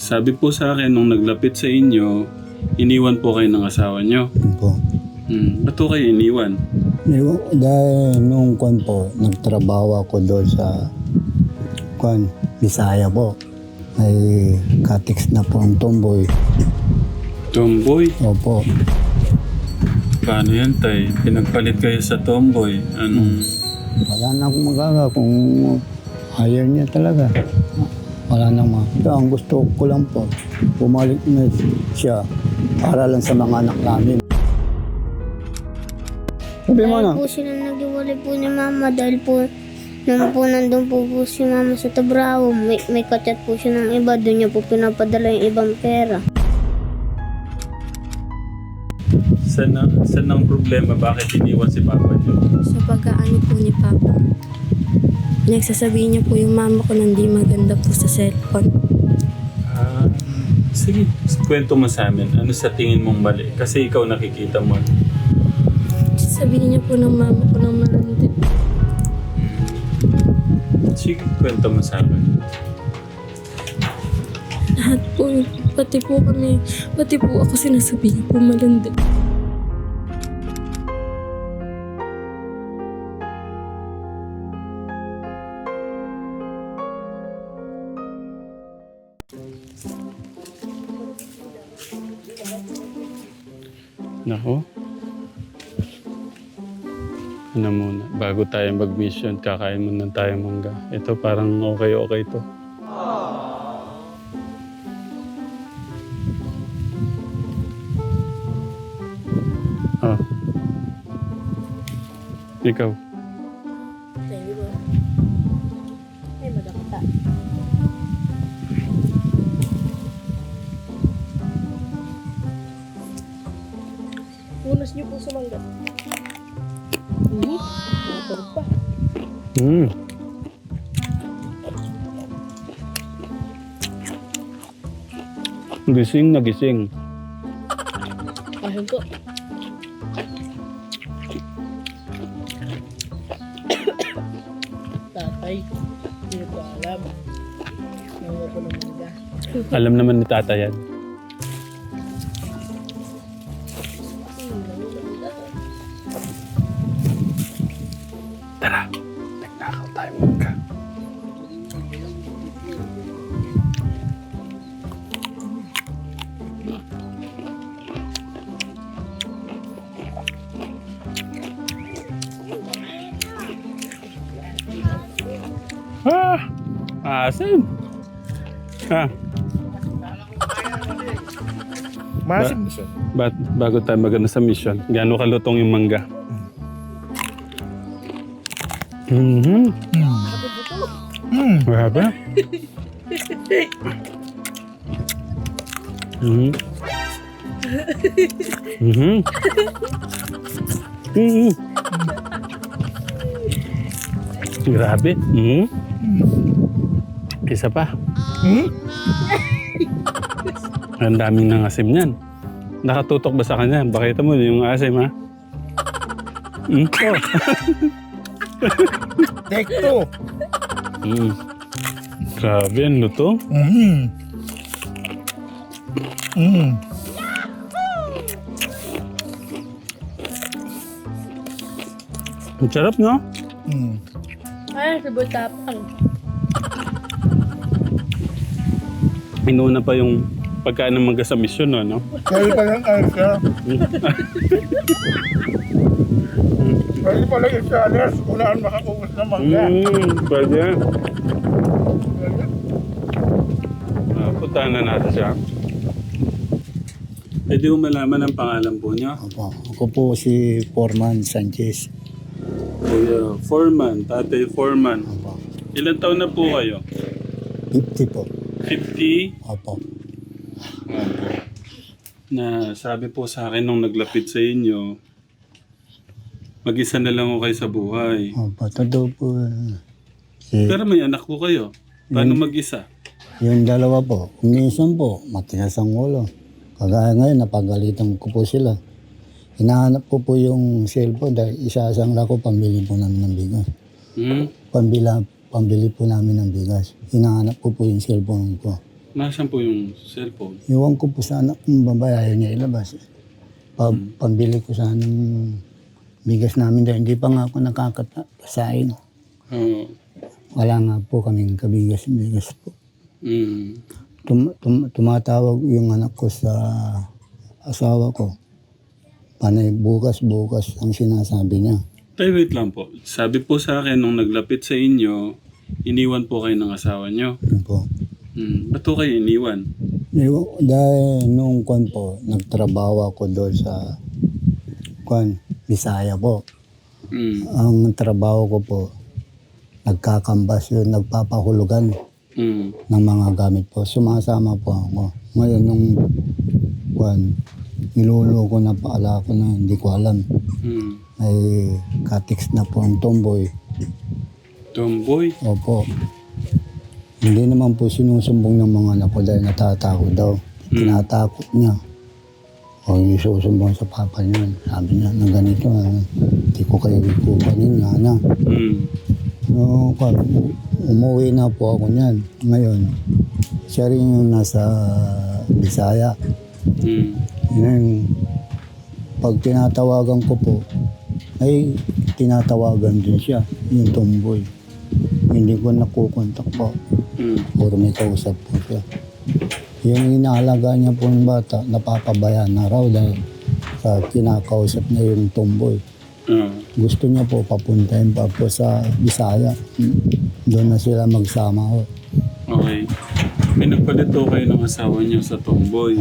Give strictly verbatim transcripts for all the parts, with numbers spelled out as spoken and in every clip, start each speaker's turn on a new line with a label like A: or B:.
A: sabi po sa akin, nung naglapit sa inyo, iniwan po kayo ng asawa nyo.
B: Yun po.
A: Hmm. Ba't po kayo iniwan?
B: Yung- Dahil nung kwan po, nagtrabaho ako doon sa kwan, Bisaya po. Ay katix na po ang tomboy.
A: Tomboy?
B: Opo.
A: Paano yan, tay? Pinagpalit kayo sa tomboy. Anong...
B: Wala na akong magaga kung hire niya talaga. Wala nang ma. Kaya ang gusto ko lang po, bumalik na siya para lang sa mga anak namin. Sabi mo na.
C: Dahil po sila nag-iwalay po ni mama dahil po nung po nandun po po si mama sa Tabrao, may, may kachat po siya ng iba, doon niya po pinapadala yung ibang pera.
A: Saan ang, saan ang problema? Bakit iniwan si Papa niyo?
D: Sa pag-aano po ni Papa. Nagsasabihin niya po yung mama ko na hindi maganda po sa cellphone.
A: Ah, sige, kwento mo sa amin. Ano sa tingin mong mali? Kasi ikaw nakikita mo.
D: Sabihin niya po ng mama ko ng malandi.
A: Sige, kwento mo sa amin.
D: Lahat po, pati po kami, pati po ako sinasabi niya po malandi.
A: Nako. Ano muna, bago tayo mag-mission, kakain muna tayo mangga. Ito parang okay-okay to. Ah. Ikaw.
D: Thank you po. Ay, madakta. Unas niyo po sa mangga. Hmm? Matulog pa.
A: Hmm. Gising na gising.
D: Ahon po.
E: Tatay, hindi ko alam. Nawa ko ng mangga.
A: Alam naman ni Tata yan. Tara, nagnakaw tayo mangga. Ah! Asim! Ha?
E: Masim na siya.
A: Ba bago tayo magano sa mission, gaano kalutong yung mangga? Mhm.
E: Hmm.
A: Grabe. Mhm. Mhm. Mhm. Grabe. Mhm. Isa pa.
E: Hmm?
A: Ang daming nangasim niyan. Nakatutok ba sa kanya? Bakita mo yung asim, ha? Mm. Oh.
E: Take two.
A: Mm. Grabe, ang luto.
E: Hmm. Hmm.
A: Ang sarap, no?
E: Hmm.
D: Ay, sabay tapang.
A: Inuuna pa yung pagkain ng mangga sa mission, no? no?
E: Kaya pa lang ayos siya. Kaya pa lang yung salas. Unaan makaubos ng mangga.
A: Mm, pwede. Ah, puntahan na natin siya. Pwede mo malaman ang pangalan po niya?
B: Opo. Ako po si Foreman Sanchez.
A: Kuya Foreman, Tatay Foreman.
B: Opo.
A: Ilan taon na po kayo?
B: fifty po.
A: fifty?
B: Opo.
A: Na sabi po sa akin nung naglapit sa inyo, mag-isa na lang ako kayo sa buhay.
B: Opo. Totoo po. Si,
A: Pero may anak po kayo. Paano mag-isa?
B: yung dalawa po, umiisan po, matigas ang ulo. Kagaya ngayon, napagalitan ko po sila. Hinahanap ko po yung cellphone dahil isa-asang lako pambili po namin ng bigas.
A: Hmm?
B: Pambila, pambili po namin ng bigas. Hinahanap ko po yung cellphone ko.
A: Nasaan po yung cellphone?
B: Iwan ko po sa anak kong babae, ayaw niya ilabas. Pa, pambili ko sana ng bigas namin dahil hindi pa nga ako nakakatasain.
A: Oo.
B: Wala nga po kaming kabigas-bigas po.
A: Mm.
B: Tum, tum, tumatawag yung anak ko sa asawa ko. Panay bukas-bukas ang sinasabi niya.
A: Tay, wait lang po. Sabi po sa akin, nung naglapit sa inyo, iniwan po kayo ng asawa nyo.
B: Yun po.
A: Hmm. Ba't po kayo iniwan?
B: Iwa- Dahil nung kwan po, nagtrabaho ako doon sa kwan, Bisaya po.
A: Hmm.
B: Ang trabaho ko po, nagkakambas yun, nagpapahulugan
A: Hmm.
B: ng mga gamit po. Sumasama po ako. Ngayon nung kwan, niloloko na paala ko na hindi ko alam.
A: Hmm.
B: May katix na po ang tomboy.
A: Tomboy?
B: Opo. Hindi naman po sinusumbong ng mga anak ko dahil natatakot daw. Tinatakot niya. O yung susumbong sa papa niya. Sabi niya na ganito, ah, hindi ko kayo ikupanin nga na.
A: Hmm.
B: No, kwan, umuwi na po ako niyan. Ngayon, siya rin yung nasa Bisaya.
A: Hmm.
B: Ngayon, pag tinatawagan ko po, ay tinatawagan din siya, yung tomboy. Hindi ko nakukontak po.
A: Hmm.
B: Puro may kausap po siya. Yung inaalaga niya po ng bata, napapabayaan na raw dahil sa kinakausap niya yung tomboy.
A: Ah.
B: Gusto niya po papuntahin pa po sa Bisaya. Doon na sila magsama ho.
A: Okay. Pinagpalit po kayo ng asawa niyo sa tomboy.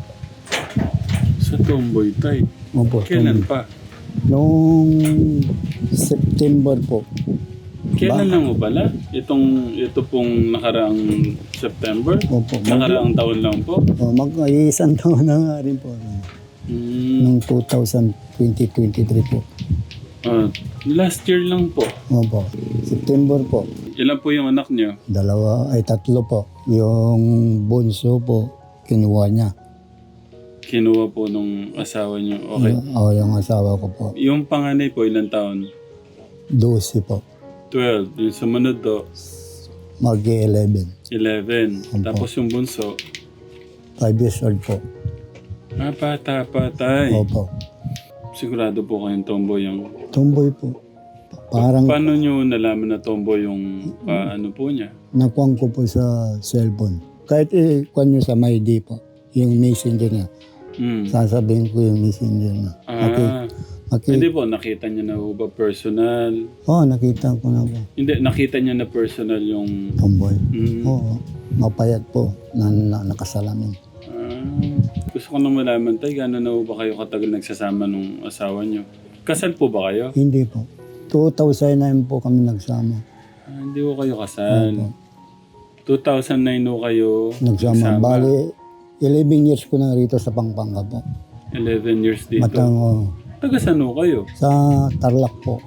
A: Sa tomboy, tay.
B: Opo,
A: Kailan
B: tomboy.
A: pa?
B: Noong September po.
A: Kailan lang mo pala? Itong, ito pong nakaraang September?
B: Opo.
A: Nakaraang taon lang po?
B: O, mag-iisang taon na nga rin po.
A: Hmm.
B: Noong two thousand twenty twenty-three po.
A: Ah, last year lang po.
B: Opo. September po.
A: Ilan po yung anak niyo?
B: Dalawa, ay tatlo po. Yung bunso po, kinuha niya.
A: Kinuha po nung asawa niyo. Okay.
B: O, yung asawa ko po.
A: Yung panganay po, ilang taon?
B: twelve po.
A: twelve. Yung sumunod do,
B: Mag-eleven.
A: eleven.
B: Opo.
A: Tapos yung bunso,
B: five years old po.
A: ah, bata pa, tay.
B: Opo.
A: Sigurado po kayong tomboy yung...
B: Tomboy po. Parang
A: Paano nyo nalaman na tomboy yung pa, ano po niya?
B: nakuha ko po sa cellphone. Kahit ikuha nyo sa My D po, yung messenger niya.
A: Hmm.
B: Sasabihin ko yung messenger niya. Maki,
A: Ah,
B: maki,
A: hindi po, nakita niyo na po ba personal?
B: oh, nakita ko na po.
A: Hindi, nakita niyo na personal yung...
B: Tomboy.
A: Hmm.
B: Oo. Mapayat po na, na nakasalamin.
A: Ah, gusto ko nang malaman, tay, gano'n na po ba kayo katagal nagsasama nung asawa niyo? Kasal po ba kayo?
B: Hindi po. two thousand nine po kami nagsama.
A: Ah, hindi po kayo kasal.
B: Opo.
A: two thousand nine po kayo
B: Nagsama. Bali, eleven years ko na rito sa Pampanga po.
A: eleven years dito.
B: Matango.
A: Taga saan po kayo?
B: Sa Tarlac po.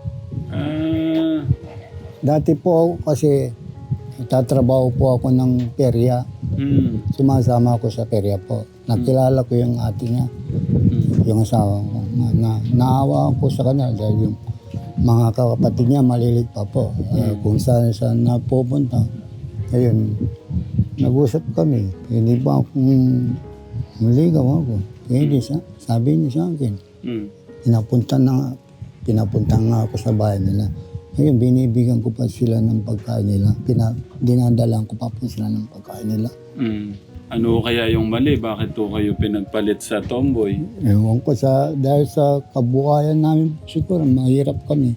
A: Ah,
B: Dati po ako kasi tatrabaho po ako ng perya.
A: hmm.
B: Sumasama ako sa perya po. Nakilala ko yung ate niya,
A: Hmm.
B: yung asawa ko. Na, na, naawa ako sa kanya dahil yung mga kapatid niya malilit pa po. Uh, kung saan saan napupunta. Ayun, nag-usap kami. Hindi ba akong maligaw ako? Hindi sa, sabi niya sa akin.
A: Hmm.
B: Pinapunta na, pinapunta nga ako sa bahay nila. Ngayon, binibigyan ko pa sila ng pagkain nila. Pina, dinadalang ko pa po sila ng pagkain nila.
A: Hmm. Ano kaya yung mali? Bakit po kayo pinagpalit sa tomboy?
B: Ewan ko sa, dahil sa kabuhayan namin, siguro mahirap kami.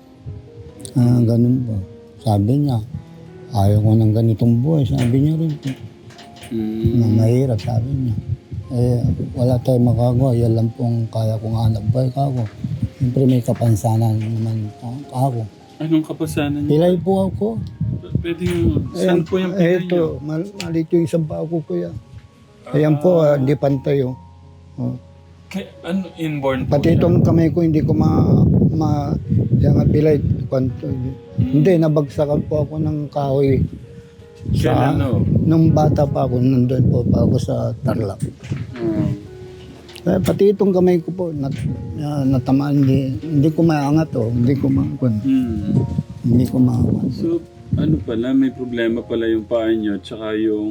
B: Ah, ganun po. Sabi niya, ayaw ko ng ganitong buhay. Sabi niya rin po.
A: Hmm.
B: Na mahirap, sabi niya. Eh, wala tayong magagawa. Yan lang pong kaya kong hanap buhay ka ako. Siyempre may kapansanan naman ako.
A: Anong kapasanan niyo?
B: Pilay po ako.
A: Pwede yung... Saan po yung pinay niyo?
B: Ito, mal- malit yung isang pako ko yan. Ayan po, ah, di pantay oh. Oh.
A: Kaya, ano, inborn po
B: Pati
A: siya?
B: itong kamay ko, hindi ko ma... ma yan nga pilay. Kwanto. Hindi, nabagsakan po ako ng kahoy.
A: Kailan, no?
B: Nung bata pa ako, nandun po pa ako sa Tarlac.
A: Hmm.
B: Eh, pati itong kamay ko po, nat, ah, natamaan. Hindi, hindi ko maangat oh. Hindi ko maangat.
A: Hmm.
B: Hindi ko maangat.
A: So, ano pala, may problema pala yung paa niyo tsaka yung...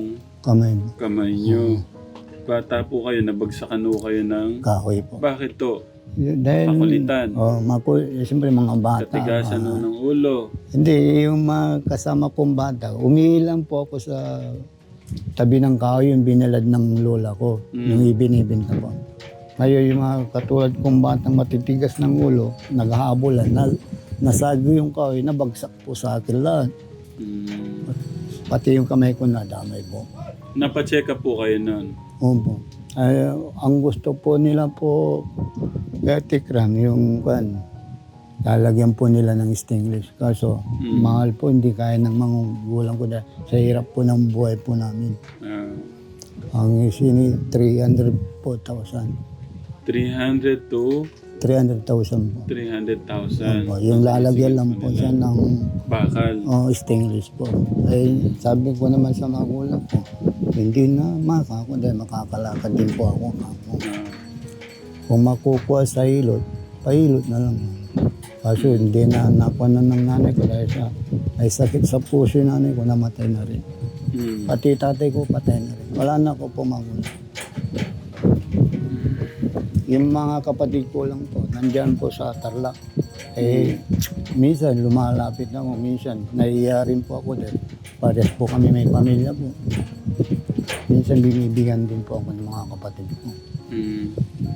B: kamay mo.
A: Kamay nyo. Bata po kayo, nabagsakan po kayo ng...
B: Kahoy po.
A: Bakit to?
B: Yun, dahil,
A: Makulitan.
B: Oh, mapo, eh, siyempre mga bata.
A: Katigasan
B: ah,
A: po ng ulo.
B: Hindi, yung mga kasama pong bata, umiilang po ako sa tabi ng kahoy yung binalad ng lola ko,
A: Mm.
B: yung ibinibinta po. Ngayon yung mga katulad kong batang matitigas ng ulo, naghahabulan, na, nasago yung kahoy, nabagsak po sa akin lahat.
A: Mm.
B: Pati yung kamay ko nadamay po.
A: Napacheck up po kayo nun.
B: Opo. Ay, ang gusto po nila po, Verticram, yung kan, lalagyan po nila ng stainless. Kaso,
A: Mm.
B: mahal po, hindi kaya ng mga gulang ko dahil sa hirap po ng buhay po namin.
A: Ah,
B: Ang sini, three hundred po thousand.
A: three hundred to
B: three hundred thousand po.
A: three hundred thousand.
B: Opo, yung lalagyan lang po siya ng
A: Bakal.
B: oh, stainless po. Ay, sabi ko naman sa magulang ko, hindi na maka ako dahil makakalakad din po ako. ako.
A: Ah,
B: Kung makukuha sa hilot, pahilot na lang. Kaso hindi na nakuha na ng nanay ko dahil sa ay sakit sa puso yung nanay ko, namatay na rin.
A: mm.
B: Pati tatay ko, patay na rin. Wala na ako po magulang. Yung mga kapatid ko lang po, nandyan po sa Tarlac. Eh, minsan lumalapit na ako, minsan naiiya rin po ako dahil parehas po kami may pamilya po. Minsan binibigyan din po ako ng mga kapatid ko.
A: Mm.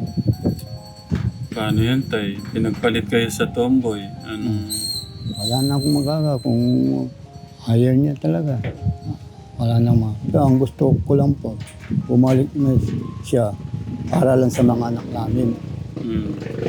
A: Paano yan, tay? Pinagpalit kayo sa tomboy. Anong...
B: Wala na akong magagawa kung ayaw niya talaga. Wala na ma. Pero ang gusto ko lang po, bumalik na siya para lang sa mga anak namin.
A: Mm.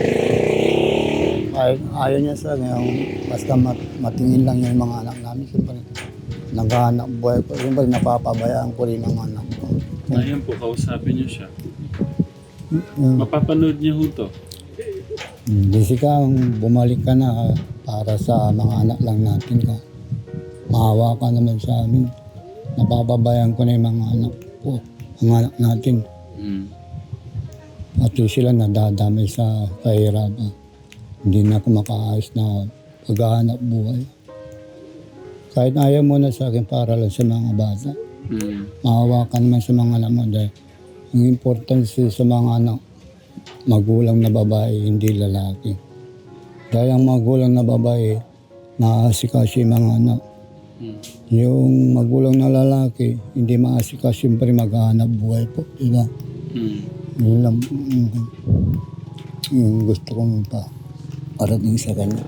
B: Ay, ayaw niya sa akin, yung basta mat, matingin lang yung mga anak namin. Siyempre, naghahanap buhay ko. Siyempre, napapabayaan ko rin ang anak ko.
A: Ayan po, kausapin niyo siya.
B: Yung,
A: Mapapanood niyo ho to.
B: Jessica, bumalik ka na ah, para sa mga anak lang natin ka. Maawa ka naman sa amin. Napapabayaan ko na yung mga anak ko, mga anak natin.
A: Mm.
B: Pati sila nadadamay sa kahirapan. Hindi na ako makaayos na paghahanap buhay. Kahit ayaw mo na sa akin para lang sa mga bata.
A: Mm.
B: Maawa ka naman sa mga anak mo dahil ang importance sa mga anak, magulang na babae, hindi lalaki. Dahil ang magulang na babae, naaasikaso yung mga anak.
A: Mm.
B: Yung magulang na lalaki, hindi maasikaso, siyempre maghahanap buhay po. Diba?
A: Mm.
B: Yun lang mm, yung gusto kong pa parating sa kanya.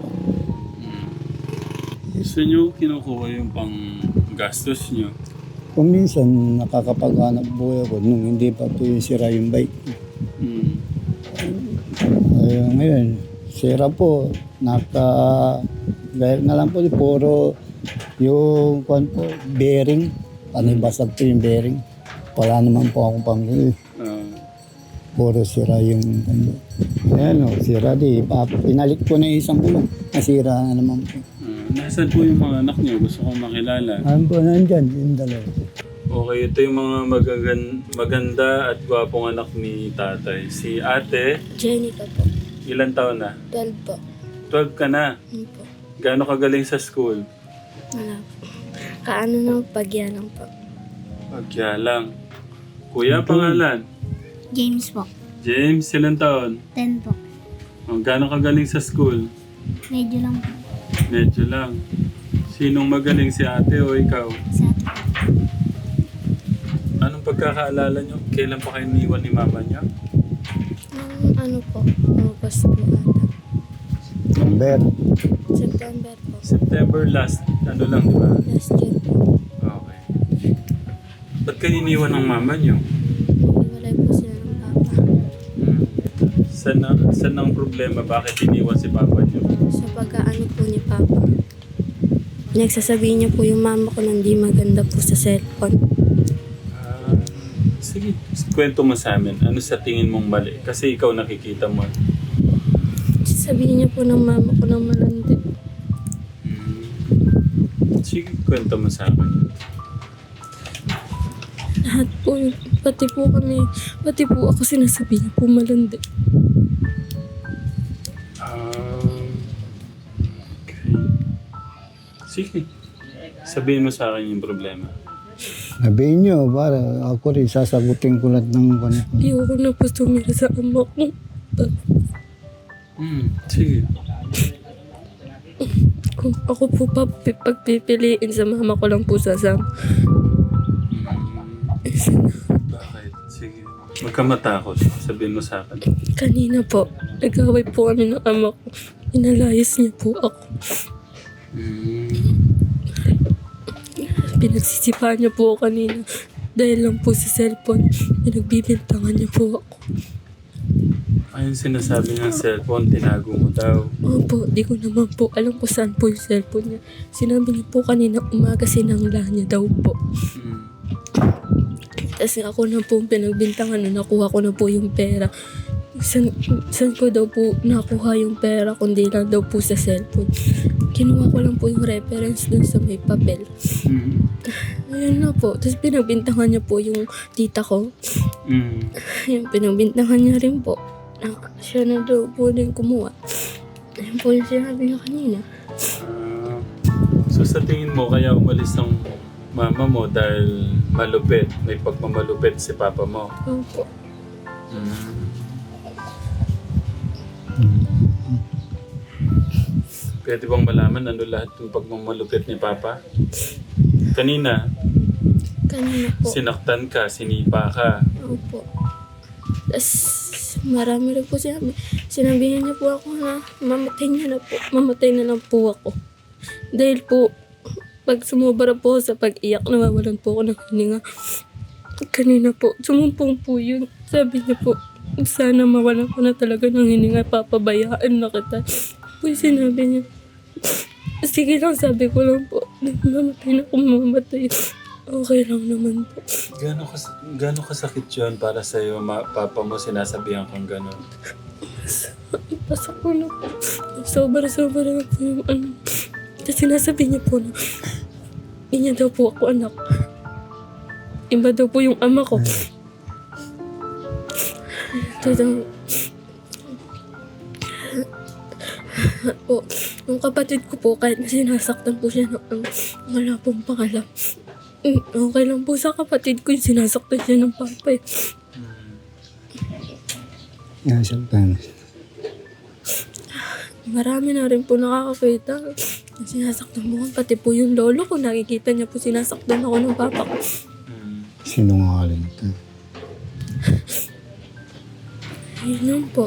A: Gusto niyo kinukuha yung pang gastos niyo?
B: Kung minsan nakakapaghanap buhay ako nung hindi pa po yung sira yung bike.
A: Mm.
B: Ay, ngayon, sira po. Naka, gaya na lang po, puro yung kwan po, bearing. Panibasag po yung bearing. Wala naman po akong pamili.
A: Ah,
B: Puro sira yung ano. Ayan o, sira di. Pa- Pinalit ko na yung isang gulong. Nasira na naman po.
A: ah, nasaan po yung mga anak niyo? Gusto kong makilala.
B: Ano po, nandyan, yung dalawa.
A: Okay, ito yung mga magagan- maganda at gwapong anak ni tatay. Si ate,
D: Jenica po.
A: ilan taon na?
D: twelve po.
A: twelve ka na.
D: Ano po?
A: Gaano kagaling sa school?
D: Wala po. Kaano ng pagya lang po.
A: Pagya lang. Kuya, pangalan?
C: James po.
A: James, ilan taon?
C: ten po.
A: Oh, gaano kagaling sa school?
C: Medyo lang po.
A: Medyo lang. Sinong magaling, si ate o ikaw?
C: Sa atin po.
A: Anong pagkakaalala nyo? Kailan pa kayo niwan ni mama niya?
D: Nung ano po, August po ata.
B: Number.
D: September po.
A: September last, ano lang, di ba?
D: Last year po.
A: Okay. Ba't kayo iniwan ng mama niyo?
D: Naghiwalay po sila ng papa.
A: Hmm. Saan, na, saan ang problema? Bakit iniwan si papa niyo?
D: Sa pagkaano po ni papa. Nagsasabihin niya po yung mama ko na hindi maganda po sa cellphone.
A: Ah, sige, kwento mo sa amin. Ano sa tingin mong mali? Kasi ikaw nakikita mo.
D: Sabihin niya po ng mama ko na malandi.
A: Hmm. Sige, kwento mo sa akin.
D: Lahat po, yun. Pati po kami, pati po ako sinasabi niya po malandi.
A: Um, okay. Sige. Sabihin mo sa akin yung problema.
B: Sabihin nyo, para ako rin sasagutin ko lahat ng kanya.
D: Ayoko na po tumira sa ama ko.
A: Hmm, sige.
D: Kung ako po pa pagpipiliin sa mama ko lang po sasama.
A: Bakit? Sige. Huwag ka matakot. Sabihin mo sa akin.
D: Kanina po, nag-away po kami ng ama ko. Inalayas niya po ako.
A: Hmm.
D: Pinagsisipahan niya po ako kanina. Dahil lang po sa cellphone, pinagbibintangan niya po ako.
A: Ayun sinasabi ng cellphone, tinago mo daw.
D: Opo, di ko naman po alam kung saan po yung cellphone niya. Sinabi niya po kanina umaga sinangla niya daw po.
A: Hmm.
D: Tapos ako na po pinagbintangan na nakuha ko na po yung pera. San, san ko daw po nakuha yung pera kundi lang daw po sa cellphone. Kinuha ko lang po yung reference dun sa may papel.
A: Hmm.
D: Ayun na po. Tapos pinagbintangan niya po yung tita ko.
A: Hmm.
D: Ayun, pinagbintangan niya rin po. Na siya na daw po din kumuha. Ayun po yung sinabi niya kanina.
A: Ah, so sa tingin mo, kaya umalis ng mama mo dahil malupit, may pagmamalupit si papa mo.
D: Opo.
A: Hmm. Pwede bang malaman ano lahat yung pagmamalupit ni papa? Kanina,
D: Kanina po.
A: sinaktan ka, sinipa ka.
D: Opo. Tapos marami rin po sinabi. Sinabihan niya po ako na mamatay niya na po. Mamatay na lang po ako. Dahil po, pag sumubara po ako sa pag-iyak, nawawalan po ako ng hininga. Kanina po, sumumpong po yun. Sabi niya po, sana mawalan ko na talaga ng hininga, papabayaan na kita. Po yung sinabi niya. Sige lang, sabi ko lang po. Mamatay na kung mamatay. Okay lang naman po.
A: Gano'ng kas gano'ng kasakit yun para sa'yo, ma- papa mo sinasabihan kang gano'n?
D: Pasok ko na po. Sobra-sobra na po yung ano. Tapos sinasabi niya po na hindi niya daw po ako anak. Iba daw po yung ama ko. Tapos po, yung kapatid ko po, kahit na sinasaktan po siya ng ano, wala pong pangalam. Mm, Okay lang po sa kapatid ko yung sinasaktan siya ng papa eh.
B: Nasaktan.
D: Marami na rin po nakakakita. Sinasaktan mo ko, pati po yung lolo ko, nakikita niya po sinasaktan ako ng papa ko.
A: Hmm.
B: Sinungaling ka.
D: Yun lang po.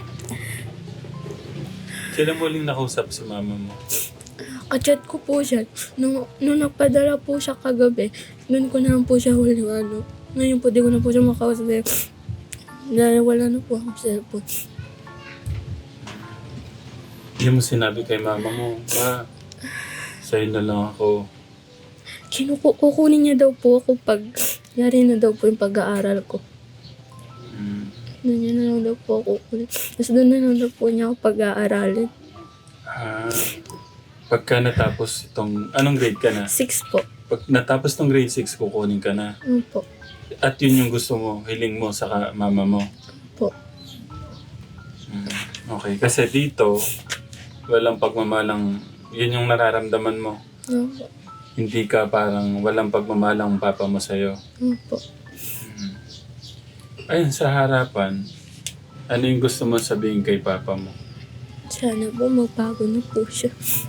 A: Kailan mo uling nakausap si mama mo?
D: Kachat ko po siya. Nung, nung nagpadala po siya kagabi, doon ko na po siya huling ano. Ngayon po, di ko na po siya makausap. eh. Dahil wala na po akong cellphone.
A: Hindi mo sinabi kay mama mo, ma, sa'yo na lang ako.
D: Kinuku- kukunin niya daw po ako pag yari na daw po yung pag-aaral ko.
A: Hmm.
D: Doon niya na lang daw po ako kukunin. Tapos doon na lang daw po niya ako pag-aaralin.
A: Ah, pagka natapos itong, anong grade ka na?
D: Six po.
A: Pag natapos tong grade six, kukunin ka na.
D: Ano po?
A: At yun yung gusto mo, hiling mo sa ka- mama mo.
D: Po.
A: Hmm. Okay, kasi dito, walang pagmamalang, yun yung nararamdaman mo.
D: Ano po?
A: Hindi ka parang walang pagmamalang papa mo sa'yo.
D: Ano po?
A: Ayun, sa harapan, ano yung gusto mo sabihin kay papa mo?
D: Sana po magbago na po siya.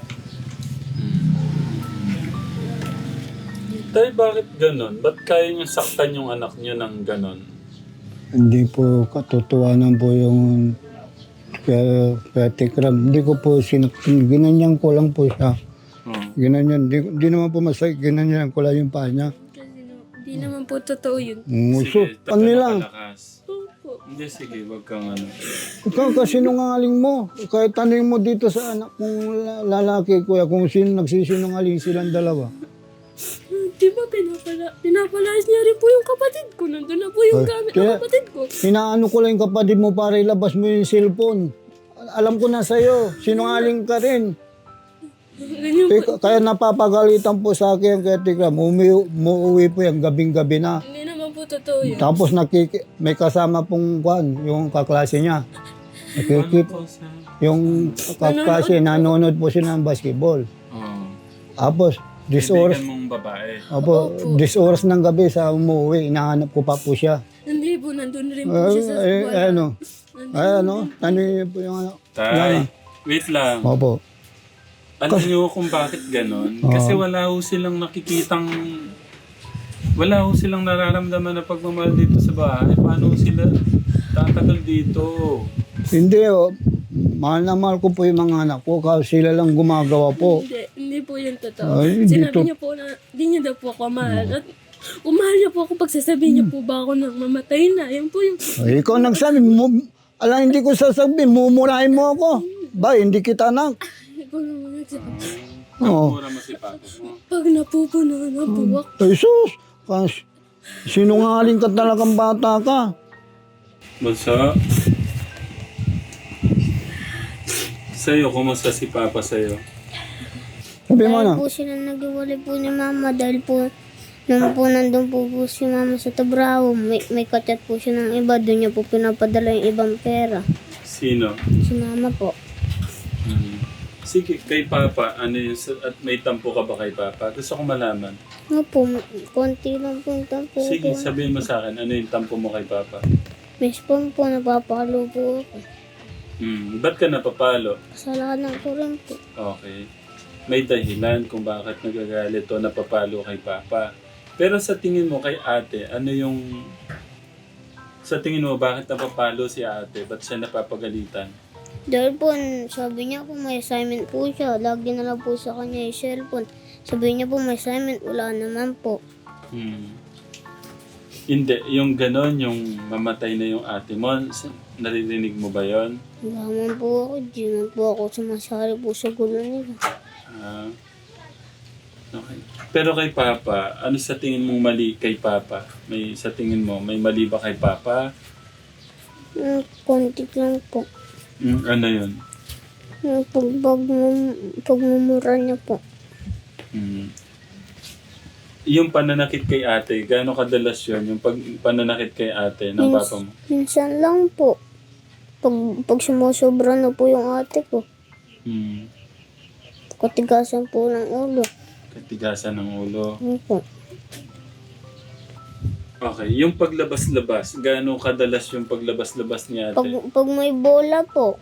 A: Tay, bakit ganon? Ba't kaya niyo saktan yung anak niyo ng ganon?
B: Hindi po katotohanan po yung kaya, kaya tikram. Hindi ko po sinaktan. Ginanyan ko lang po siya.
A: Hmm.
B: Ginanyan. Di, di naman po masakit. Ginanyan ko lang yung paa niya.
D: Kasi no, di naman po totoo yun.
B: Nguso.
A: Sige,
B: Ano lang.
A: palakas.
D: Opo.
A: Hindi, sige, wag kang ano.
B: Ikaw kasi nungaling mo. Kahit tanong mo dito sa anak kong la- lalaki, kuya, kung sino nagsisinungaling silang dalawa.
D: Di ba pinapala, pinapalayas niya rin po yung kapatid ko. Nandun na po yung
B: Ay,
D: gamit ng
B: kaya-
D: kapatid ko.
B: Inaano ko lang yung kapatid mo para ilabas mo yung cellphone. Alam ko na sa'yo, sinungaling ka rin.
D: Ganyan
B: Eh,
D: po.
B: Kaya napapagalitan po sa akin, kaya tikram, umi- umuwi po yung gabing-gabi na.
D: Hindi naman po totoo yun.
B: Tapos nakiki, may kasama pong kwan, yung kaklase niya. Nakikip,
A: Ano po sa...
B: yung kaklase, nanonood po siya ng basketball.
A: Oh.
B: Tapos, Dis oras,
A: Kaibigan mong babae.
B: opo, dis oras ng gabi sa umuwi, inahanap ko pa po siya.
D: Hindi po, nandun rin po
B: Eh,
D: siya sa
B: eh,
D: wala.
B: ano,
D: Nandun
B: ay ano, ano yun po yung ano.
A: Tay, wait lang.
B: Opo.
A: Alam niyo kung bakit ganon?
B: Oo.
A: Kasi wala ho silang nakikitang... Wala ho silang nararamdaman na pagmamahal dito sa bahay. Paano ho sila tatagal dito?
B: Hindi, oh, mahal na mahal ko po yung mga anak ko kasi sila lang gumagawa po.
D: Hindi, hindi po yun totoo.
B: Ay,
D: Sinabi
B: dito-
D: niya po na di niya daw po ako mahal. At kung mahal niya po ako, pagsasabihin niya po ba ako nang mamatay na. Yan po yung...
B: Ay, ikaw nagsabi, mo, alam hindi ko sasabihin, mumurahin mo ako. Ba, hindi kita anak.
D: Ikaw naman nagsabi.
B: Oo.
A: Mura mo si papa mo.
D: Pag napupuno na po ako.
B: Ay, sus, kas, sinungaling ka talagang bata ka.
A: Bunso? Sa'yo, kumusta si papa sa'yo?
B: Sabi mo na,
C: Dahil po sila nag-iwalay po ni mama dahil po nung po nandun po po si mama sa Tabrao, may, may kachat po siya ng iba, doon niya po pinapadala yung ibang pera.
A: Sino?
C: Si mama po.
A: Hmm. Sige, kay papa, ano yun, sa- at may tampo ka ba kay papa? Gusto ko malaman.
C: Nga po, konti lang po yung tampo
A: Sige,
C: ko.
A: sabihin mo sa akin, ano yung tampo mo kay papa?
C: May spam po, napapalo po ako.
A: Hmm, ba't ka napapalo?
C: Kasalanan ko rin po.
A: Okay. May dahilan kung bakit nagagalit o napapalo kay papa. Pero sa tingin mo kay ate, ano yung... Sa tingin mo, bakit napapalo si ate? Ba't siya napapagalitan?
C: Dahil po, sabi niya po may assignment po siya. Lagi na lang po sa kanya yung cellphone. Sabi niya po may assignment, wala naman po.
A: Hmm. Hindi, yung ganon, yung mamatay na yung ate mo, s- naririnig mo ba yon?
C: Wala man po ako, di man po ako sumasali po sa gulo nila.
A: Ah. Okay. Pero kay papa, ano sa tingin mong mali kay papa? May sa tingin mo, may mali ba kay papa?
C: Mm, konti lang po.
A: Hmm, ano yun?
C: Yung pag, pag, pagmumura niya po.
A: Hmm. Yung pananakit kay ate, gaano kadalas yun? Yung pag, pananakit kay ate ng
C: Mins-
A: papa mo?
C: Minsan lang po. Pag, pag sumusobra na po yung ate ko,
A: Hmm.
C: katigasan po ng ulo.
A: Katigasan ng ulo.
C: Yun po.
A: Okay, yung paglabas-labas, gaano kadalas yung paglabas-labas ni ate?
C: Pag, pag may bola po,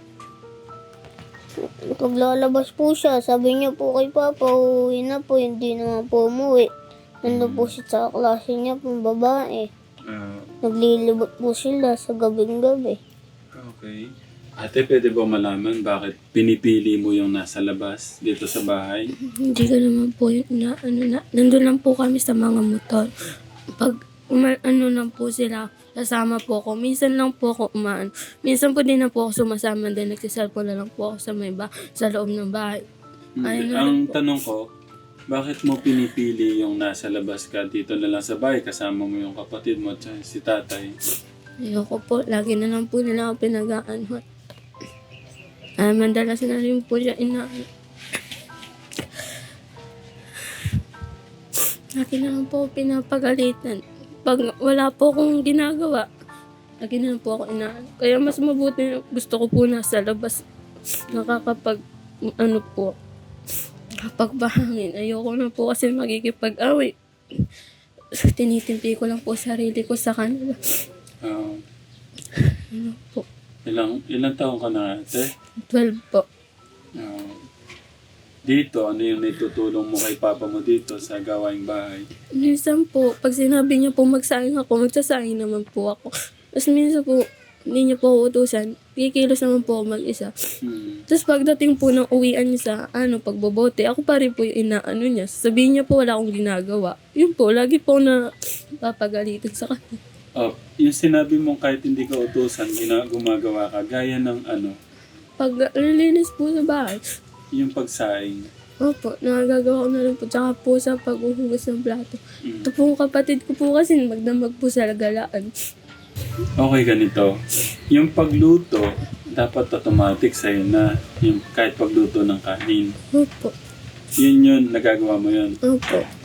C: pag lalabas po siya, sabi niya po kay Papa, uuwi na po, hindi naman po umuwi. Nandun po siya sa klase niya po, babae.
A: Ah,
C: Naglilibot po sila sa gabing-gabi.
A: okay. Ate, pwede ba malaman bakit pinipili mo yung nasa labas dito sa bahay?
D: Hindi ko naman po yun na, ano na, nandun lang po kami sa mga motor. Pag, uma, ano lang po sila, kasama po ako. Minsan lang po ako umaan. Minsan po din na po ako sumasama din, nagsiselfone na lang po ako sa may ba, sa loob ng bahay. Ay,
A: Hindi.
D: ano
A: Ang
D: lang po.
A: tanong ko, bakit mo pinipili yung nasa labas ka dito na lang sa bahay, kasama mo yung kapatid mo at si tatay?
D: Ayoko po, lagi na lang po nila ako pinag-aanhot. Ay, madalas na rin po siya inaan. Lagi na lang po ako pinapagalitan. Pag wala po akong ginagawa, lagi na lang po ako inaan. Kaya mas mabuti, gusto ko po nasa labas. Nakakapag, ano po, kapag bahangin. Ayoko na po kasi magkikipag-away. Tinitimpi ko lang po sarili ko sa kanila.
A: Ah,
D: Ano po,
A: ilang, ilang taon ka na ate?
D: twelve po.
A: Ah, dito, ano yung naitutulong mo kay papa mo dito sa gawaing bahay?
D: Minsan po, pag sinabi niya po magsaing ako, magsasaing naman po ako. Tapos minsan po, hindi niya po ako utusan, kikilos naman po ako mag-isa.
A: Hmm.
D: Tapos pagdating po ng uwian niya sa ano, pagbobote, ako pa rin po yung inaano niya. Sabihin niya po wala akong ginagawa. Yun po, lagi po na papagalitan sa kanya.
A: Oh, yung sinabi mong kahit hindi ka utusan, gina- gumagawa ka, gaya ng ano,
D: Pag nalinis po sa bahay,
A: yung pagsaing.
D: opo, nagagawa ko na rin po. Tsaka po sa paghuhugas ng plato.
A: Mm.
D: Ito po kapatid ko po kasi magdamag po sa galaan.
A: Okay, ganito. Yung pagluto, dapat automatic sa'yo na. Yung kahit pagluto ng kanin.
D: Opo,
A: Yun yun, nagagawa mo yun.
D: opo.